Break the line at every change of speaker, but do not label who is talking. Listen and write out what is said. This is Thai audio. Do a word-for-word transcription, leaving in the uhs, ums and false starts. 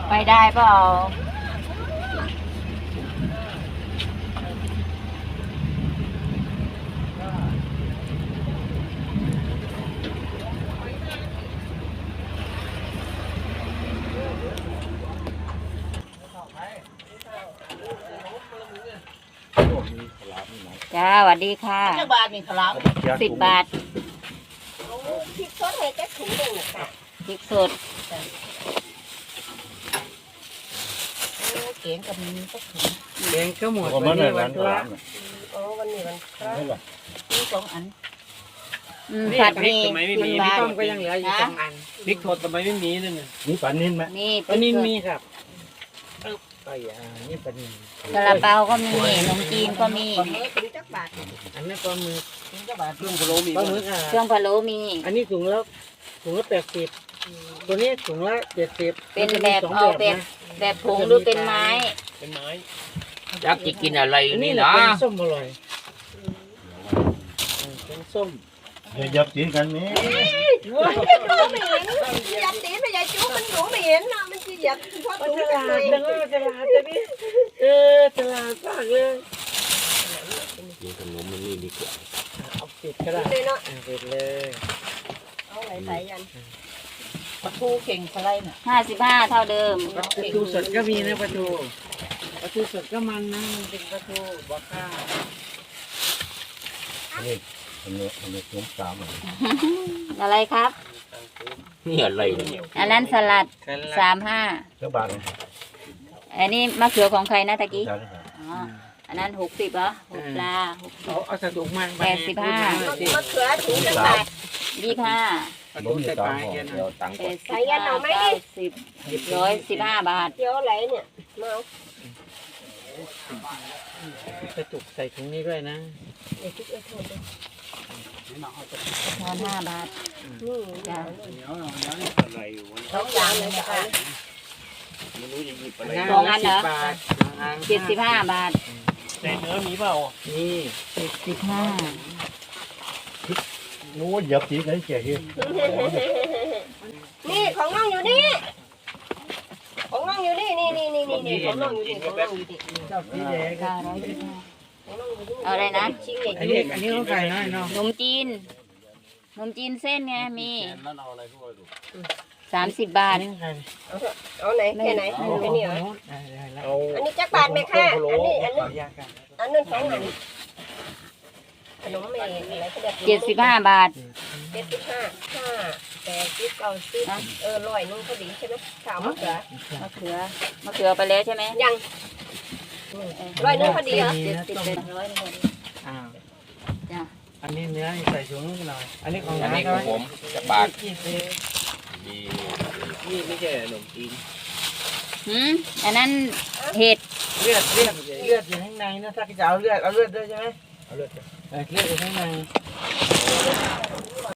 ไปได้เปล่าจ้าสวัสดีค่ะบาทมีขลับสิบบาทพริกสดให้แค่ถุงหนึ่งค่ะพริกสดเก่งกับมีก็ถุงเก่งก็หมดวันนี้วันพระโอ้วันนี้วันพระมีสองอันผัดมีสิบบาทก็ยังเหลืออยู่สองอันพริกสดทำไมไม่มีนั่นน่ะมีปลานิ่มไหมมีปลานิ่มมีครับไปอ่านี่ปลานิ่มซาลาเปาก็มีขนมจีนก็มีถุงจักบาทอันนี้ปลาหมึกถุงจักบาทเครื่องพะโล้มีปลาหมึกอ่ะเครื่องพะโล้มีอันนี้ถุงละถุงละแปดสิบตัวนี้ถุงละเจ็ดสิบเป็นแบบเอาแบบแบบผงหรือเป็นไม้เป็นไม้อยากจะกินอะไรนี่นะเป็นส้มอร่อยเป็นส้มอย่ายับตีนกันนี่ยับตีนไปยับจู้มันหนูไม่เห็นนะมันจะยับเพราะตัวตลาดจังเลยตลาดจะนี่เออตลาดมากเลยกินขนมมันนี่ดีกว่าเอาปิดก็ได้ปิดเลยเอาไหลใส่ยันปลาทูเข่งอะไรน่ะห้าสิบห้าเท่าเดิมปลาทูสดก็มีนะปลาทูปลาทูสดก็มันนะมันเป็นปลาทูบอกข้าวนี่อันนี้อันนี้ต้มสามอะไรครับนี่อะไรเนี่ยอันนั้นสลัดสามห้าเท่าบาทอันนี้มะเขือของใครนะตะกี้อ๋ออันนั้นหกสิบเหรอหกปลาเอาเอาสะดุกมาแปดสิบห้ามะเขือถุงละบาทยี่ห้าล้มใส่ปลายกันแปดสิบห้าเก้าสิบร้อยสิบห้าบาทเยอะอะไรเนี่ยมาเอาจุกใส่ถุงนี้ด้วยนะทอนห้าบาทนี่จ้าสองอย่างเลยค่ะไม่รู้จะหยิบอะไรสองอันเหรอเจ็ดสิบห้าบาทแต่เนื้อมีเปล่านี่เจ็ดสิบห้านู้นหยับจีกันเจ๋งนี่ของน้องอยู่นี่ของน้องอยู่นี่นี่นี่นี่นี่ของน้องอยู่นี่ของน้องอยู่นี่เจ้าสีแดงค่ะร้อยยี่สิบห้าเอาอะไรนะอันนี้อันนี้ต้องใส่หน่อยเนาะนมจีนนมจีนเส้นไงมีสามสิบบาทเอาไหนแค่ไหนอันนี้เหรออันนี้จักบาทไหมค่ะอันนี้อันนี้อันนั้นสองอันขนมเมย์อะไรก็แบบเจ็ดสิบห้าบาทเจ็ดสิบห้าห้าแปดสิบเก้าสิบเออร้อยนึงพอดีใช่ไหมสามมะเขือมะเขือมะเขือไปแล้วใช่ไหมยังร้อยนึงพอดีเหรอเจ็ดสิบเป็นร้อยนึงอ่าจ้ะอันนี้เนื้อใส่ถุงหน่อยอันนี้ของอันนี้ของผมจะบาทนี่นี่ไม่ใช่ขนมจีนหืมอันนั้นเห็ดเลือดเลือดเลือดอยู่ข้างในนะถ้าจะเอาเลือดเอาเลือดด้วยใช่ไหมเอาเลือดเลือดอยู่ข้างใน